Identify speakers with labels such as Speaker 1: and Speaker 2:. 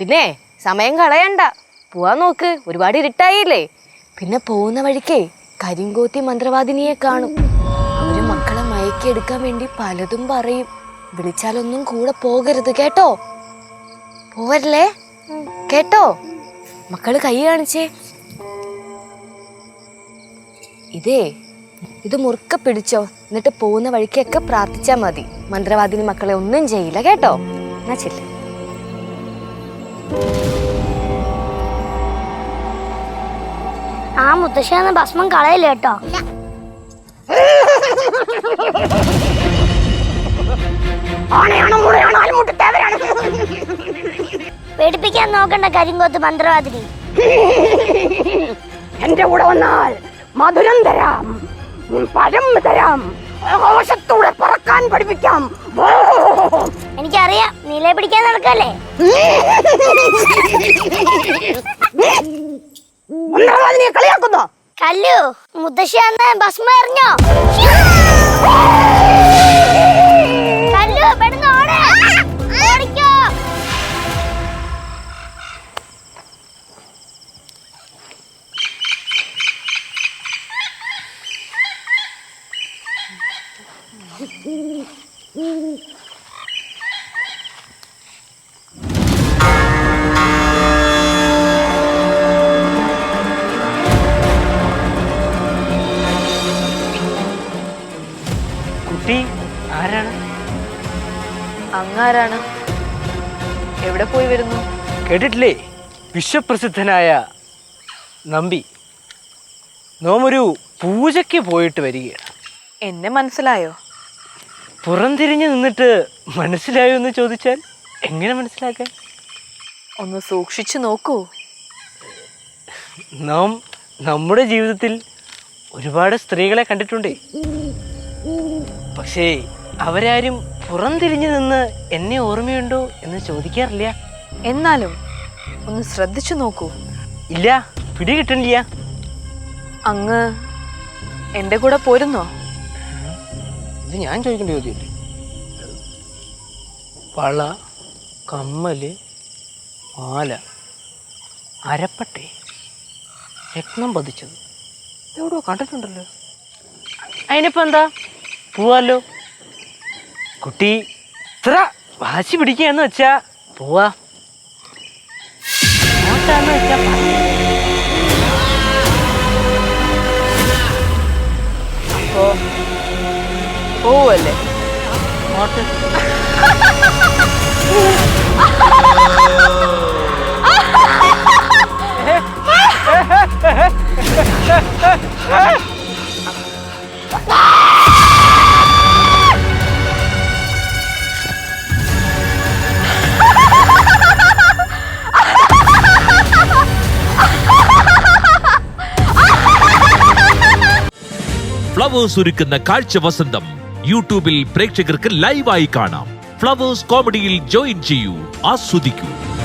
Speaker 1: പിന്നെ സമയം കളയണ്ട, പോവാൻ നോക്ക്. ഒരുപാട് ഇരുട്ടായില്ലേ. പിന്നെ പോകുന്ന വഴിക്കേ കരിങ്കോത്തി മന്ത്രവാദിനിയെ കാണും. അവര് മക്കളെ മയക്കിയെടുക്കാൻ വേണ്ടി പലതും പറയും. വിളിച്ചാലൊന്നും കൂടെ പോകരുത് കേട്ടോ. പോവല്ലേ കേട്ടോ? മക്കള് കൈ കാണിച്ചേ. ഇത് മുറുക്ക പിടിച്ചോ. എന്നിട്ട് പോകുന്ന വഴിക്കൊക്കെ പ്രാർത്ഥിച്ചാ മതി. മന്ത്രവാദിനി മക്കളെ ഒന്നും ചെയ്യില്ല കേട്ടോ. എന്നാ ചെല്ല്.
Speaker 2: ആ മുത്തശ്ശിയെന്ന ഭസ്മം കളയില്ല കേട്ടോ. പേടിപ്പിക്കാൻ നോക്കണ്ട കരിങ്കോത്ത് മന്ത്രവാദിനി.
Speaker 3: എന്റെ കൂടെ വന്നാൽ മധുരം തരാം, പഴം തരാം, ആകാശത്തൂടെ പറക്കാൻ പഠിപ്പിക്കാം.
Speaker 2: എനിക്കറിയാം, നീലെ പിടിക്കാൻ നടക്കല്ലേ.
Speaker 3: കളിയാക്കുന്നോ?
Speaker 2: കല്ലു, മുത്തശ്ശി അന്ന് ഭസ്മം എറിഞ്ഞോ? കല്ലു, പെട്ടെന്ന് ഓട്. ഓടിക്കോ.
Speaker 4: കുട്ടി ആരാണ്?
Speaker 1: അങ്ങാരാണ്? എവിടെ പോയി വരുന്നു?
Speaker 4: കേട്ടിട്ടില്ലേ? വിശ്വപ്രസിദ്ധനായ നമ്പി നോമൊരു പൂജയ്ക്ക് പോയിട്ട് വരികയാണ്.
Speaker 1: എന്നെ മനസ്സിലായോ?
Speaker 4: പുറംതിരിഞ്ഞ് നിന്നിട്ട് മനസ്സിലായോ എന്ന് ചോദിച്ചാൽ എങ്ങനെ മനസ്സിലാക്കാൻ?
Speaker 1: ഒന്ന് സൂക്ഷിച്ചു നോക്കൂ.
Speaker 4: നാം നമ്മുടെ ജീവിതത്തിൽ ഒരുപാട് സ്ത്രീകളെ കണ്ടിട്ടുണ്ടേ. പക്ഷേ അവരാരും പുറംതിരിഞ്ഞു നിന്ന് എന്നെ ഓർമ്മയുണ്ടോ എന്ന് ചോദിക്കാറില്ല.
Speaker 1: എന്നാലും ഒന്ന് ശ്രദ്ധിച്ചു നോക്കൂ.
Speaker 4: ഇല്ല, പിടികിട്ടണില്ല.
Speaker 1: അങ്ങ് എൻ്റെ കൂടെ പോരുന്നോ?
Speaker 4: ഇത് ഞാൻ ചോദിക്കേണ്ട ചോദ്യമല്ലേ? വള, കമ്മല്, മാല, അരപ്പട്ടെ, രത്നം പതിച്ചത് എവിടെയോ കണ്ടിട്ടുണ്ടല്ലോ. അതിനിപ്പോ എന്താ, പോവാല്ലോ. കുട്ടി ഇത്ര വാശി പിടിക്കുകയെന്ന് വെച്ചാ പോവാ. വെച്ചാ
Speaker 1: അപ്പോ പോവല്ലേ?
Speaker 5: ഫ്ലവേഴ്സ് ഒരുക്കുന്ന കാഴ്ച വസന്തം യൂട്യൂബിൽ പ്രേക്ഷകർക്ക് ലൈവായി കാണാം. ഫ്ലവേഴ്സ് കോമഡിയിൽ ജോയിൻ ചെയ്യൂ, ആസ്വദിക്കൂ.